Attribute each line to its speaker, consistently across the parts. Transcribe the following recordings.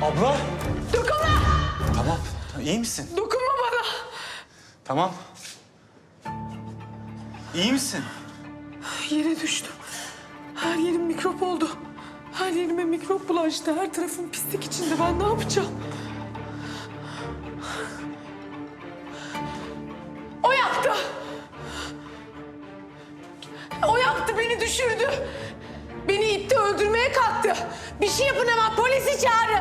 Speaker 1: Abla!
Speaker 2: Dokunma!
Speaker 1: Tamam, iyi misin?
Speaker 2: Dokunma bana!
Speaker 1: Tamam. İyi misin?
Speaker 2: Yere düştüm. Her yerim mikrop oldu. Her yerime mikrop bulaştı. Her tarafım pislik içinde. Ben ne yapacağım? O yaptı. O yaptı, beni düşürdü. Beni itti, öldürmeye kalktı. Bir şey yapın hemen, polisi çağırın.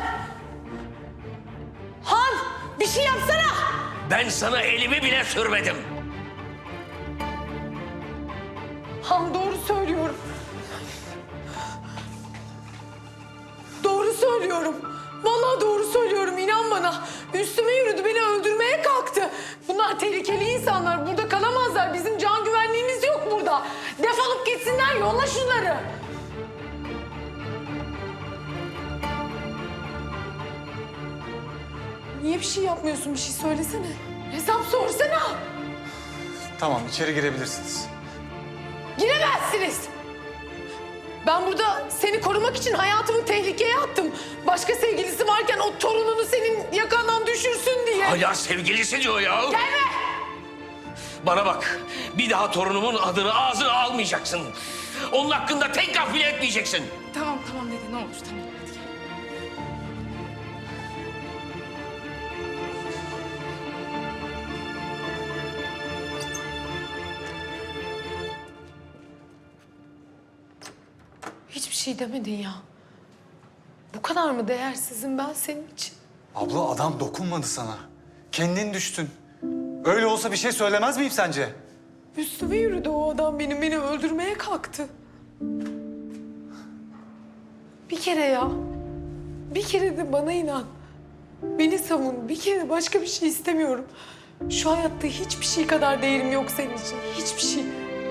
Speaker 2: Han, bir şey yapsana.
Speaker 3: Ben sana elimi bile sürmedim.
Speaker 2: Han, doğru söylüyorum. Doğru söylüyorum. Vallahi doğru söylüyorum, inan bana. Üstüme yürüdü, beni öldürmeye kalktı. Bunlar tehlikeli insanlar, burada kalamazlar. Bizim can güvenliğimiz yok burada. Defolup gitsinler, yolla şunları. Niye bir şey yapmıyorsun, bir şey söylesene. Hesap sorsana.
Speaker 1: Tamam, içeri girebilirsiniz.
Speaker 2: Giremezsiniz. Ben burada seni korumak için hayatımı tehlikeye attım. Başka sevgilisi varken o torununu senin yakandan düşürsün diye.
Speaker 3: Hala sevgilisi diyor ya.
Speaker 2: Gelme!
Speaker 3: Bana bak, bir daha torunumun adını ağzına almayacaksın. Onun hakkında tek laf bile etmeyeceksin.
Speaker 4: Tamam tamam dede ne olur tamam hadi gel.
Speaker 2: Hiçbir şey demedin ya. Bu kadar mı değersizim ben senin için?
Speaker 1: Abla, adam dokunmadı sana. Kendin düştün. Öyle olsa bir şey söylemez miyim sence?
Speaker 2: Üstüme yürüdü o adam benim, beni öldürmeye kalktı. Bir kere ya. Bir kere de bana inan. Beni savun. Bir kere başka bir şey istemiyorum. Şu hayatta hiçbir şey kadar değerim yok senin için. Hiçbir şey.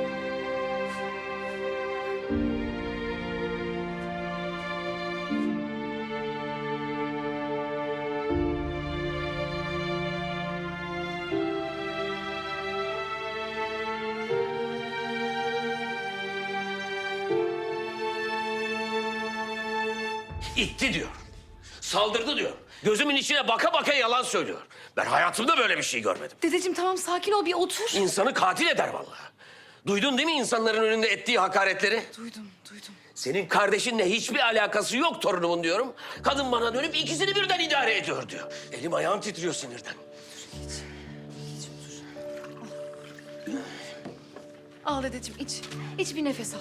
Speaker 3: İtti diyor. Saldırdı diyor. Gözümün içine baka baka yalan söylüyor. Ben hayatımda böyle bir şey görmedim.
Speaker 4: Dedeciğim tamam sakin ol bir otur.
Speaker 3: İnsanı katil eder vallahi. Duydun değil mi insanların önünde ettiği hakaretleri?
Speaker 4: Duydum duydum.
Speaker 3: Senin kardeşinle hiçbir alakası yok torunumun diyorum. Kadın bana dönüp ikisini birden idare ediyor diyor. Elim ayağım titriyor sinirden.
Speaker 4: Al dedeciğim iç. İç bir nefes al.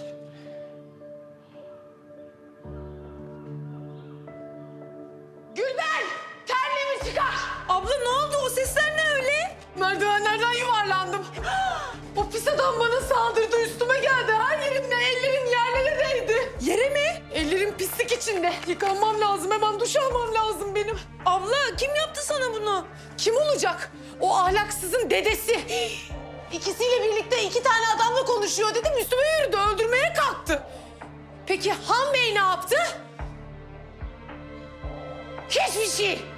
Speaker 2: Gülben! Terliğimi çıkar!
Speaker 4: Abla ne oldu o sesler ne öyle?
Speaker 2: Merdivenlerden yuvarlandım. O pis adam bana saldırdı, üstüme geldi. Her yerimle, ellerim yerlere değdi.
Speaker 4: Yere mi?
Speaker 2: Ellerim pislik içinde. Yıkanmam lazım, hemen duş almam lazım benim.
Speaker 4: Abla kim yaptı sana bunu?
Speaker 2: Kim olacak? O ahlaksızın dedesi. İkisiyle birlikte 2 tane adamla konuşuyor dedim. Üstüme yürüdü, öldürmeye kalktı. Peki Han Bey ne yaptı? Hiçbir şey.